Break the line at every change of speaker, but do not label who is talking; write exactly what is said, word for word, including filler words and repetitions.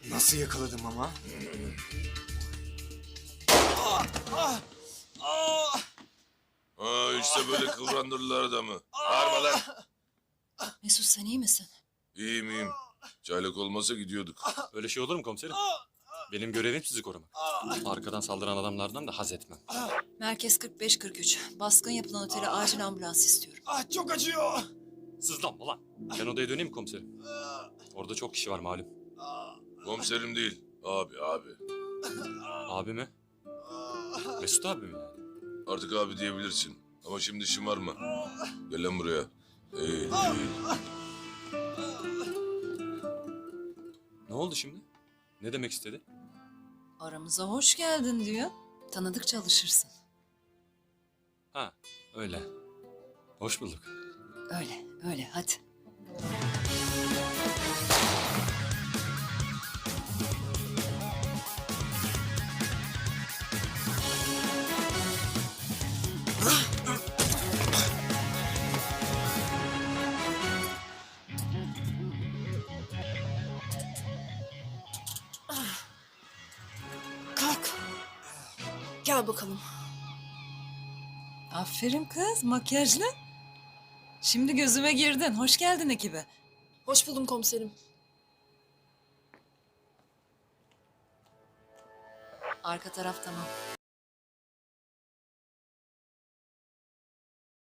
Nasıl yakaladım ama?
Ha işte böyle kıvrandırırlar adamı. Bağırma lan.
Mesut sen iyi misin?
İyiyim iyiyim. Çaylak olmasa gidiyorduk.
Öyle şey olur mu komiserim? Benim görevim sizi korumak. Arkadan saldıran adamlardan da haz etmem.
Merkez kırk beş kırk üç. Baskın yapılan otele acil ambulans istiyorum.
Ah çok acıyor.
Sızlanma lan. Ben odaya döneyim mi komiserim? Orada çok kişi var malum.
Komiserim değil. Abi abi.
Abi mi? Mesut abi mi?
Artık abi diyebilirsin. Ama şimdi şımarma. Gel lan buraya. Eğil eğil.
Ne oldu şimdi? Ne demek istedi?
Aramıza hoş geldin diyor. Tanıdıkça alışırsın.
Ha öyle. Hoş bulduk.
Öyle öyle hadi.
Kalk. Gel bakalım.
Aferin kız makyajlı. Şimdi gözüme girdin. Hoş geldin ekibe.
Hoş buldum komiserim.
Arka taraf tamam.